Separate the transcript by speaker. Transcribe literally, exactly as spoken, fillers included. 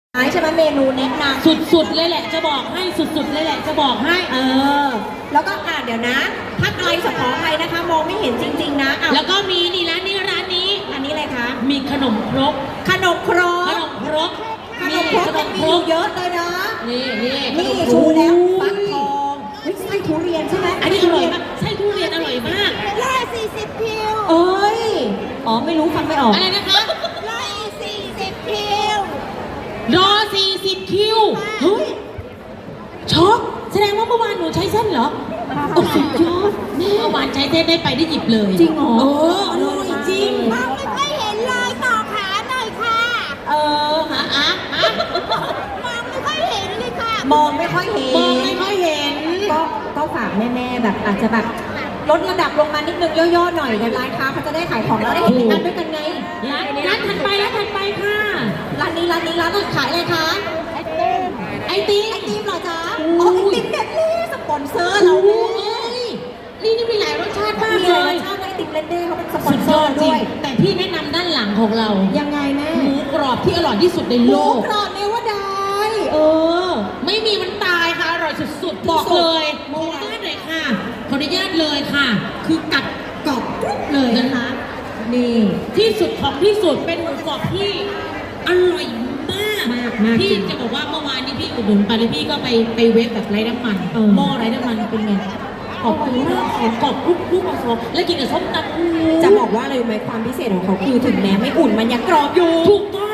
Speaker 1: ใช่ไหมเมนูแนะนำ
Speaker 2: สุดๆเลยแหละจะบอกให้สุดๆเลยแหละจะบอกให้
Speaker 1: เออแล้วก็อ่านเดี๋ยวนะถ้าไกลสขออภัยนะคะมองไม่เห็นจริงๆนะ
Speaker 2: แล้วก็มีนี่ร้านนี้ร้านนี้
Speaker 1: อันนี้อะไรคะ
Speaker 2: มีขนมครก
Speaker 1: ขนมครก
Speaker 2: ขนมครก
Speaker 1: ขนมครกมันมีอยู่เยอะเลยนะ
Speaker 2: นี่นี่
Speaker 1: นี่ชูแล้วฟักทองเฮ้ยไส้ทุเรียนใช่ไหม
Speaker 2: อันนี้อร่อยมากไส้ทุเรียนอร่อยมาก
Speaker 3: ร้อยสี่สิบคิว
Speaker 1: เอ้ยอ๋อไม่รู้ฟังไม่ออก
Speaker 2: อะไรนะคะ
Speaker 3: ร้อยสี่สิบคิว
Speaker 2: รอสี่สิบคิวเฮ้ยช็อกแสดงว่าเมื่อวานหนูใช้เส้นเหรอโอ้สุดยอดเมื่อวานใช้เส้นได้ไปได้หยิบเลย
Speaker 1: จริงเหรอ
Speaker 2: เอออร่อยจริง
Speaker 3: มองไม่ค่อยเห็นเลยต่อขาหน่อยค่ะ
Speaker 1: เออ
Speaker 2: ฮะอ่ะฮะ
Speaker 3: มองไม่ค่อยเห็นเลยค่ะ
Speaker 1: มองไม่ค่อยเห็น
Speaker 2: มองไม่ค่อยเห็น
Speaker 1: ก็ก็ฝากแม่ๆแบบอาจจะแบบลดระดับลงมานิดนึงย่อๆหน่อยในร้านค้าเขาจะได้ขายของแล้วได้เห็นงานด้วยกันไง
Speaker 2: ร้านร้านถัดไปร้านถัดไปค่ะ
Speaker 1: ร้านนี้ร้านนี้ร้านขายอะไรคะ
Speaker 3: ไอติม
Speaker 2: ไอติม
Speaker 1: ไอติมเหรอจ๊ะอ๋อไอติมเด็ดเลยสปอนเซอร์เรา
Speaker 2: เอ้ยนี่นี่มีหลายรสชาติมาก
Speaker 1: เล
Speaker 2: ย
Speaker 1: รสชาติไอติมเลนเด้เขาเป็นสปอนเซอร์ด้วย
Speaker 2: แต่พี่แนะนำด้านหลังของเรา
Speaker 1: ยังไงแม่
Speaker 2: หมูกรอบที่อร่อยที่สุดในโลก
Speaker 1: หมูกรอบเนวดาย
Speaker 2: เออไม่มีมันตายค่ะอร่อยสุดๆบอกเลยขออนุญาตเลยค่ะขออนุญาตเลยค่ะคือกัดกรอบกรุบเลยนะคะ
Speaker 1: นี่
Speaker 2: ที่สุดของที่สุดเป็นหมูกรอบที่อร่อยมาก
Speaker 1: มากมาก
Speaker 2: พี่จะบอกว่าเมื่อวานนี้พี่อุดหนุนไปแล้วพี่ก็ไปไปเวฟแบบไร้น้ำมันหม้อไร้น้ำมันเป็นไงกรอบมากกรอบกรุบกรุบกรอบแล้วกินกับส้มตำ
Speaker 1: จะบอกว่าอะไรไหมความพิเศษของเขาคือถึงแม้ไม่อุ่นมันยังกรอบอยู่
Speaker 2: ถูกต้อง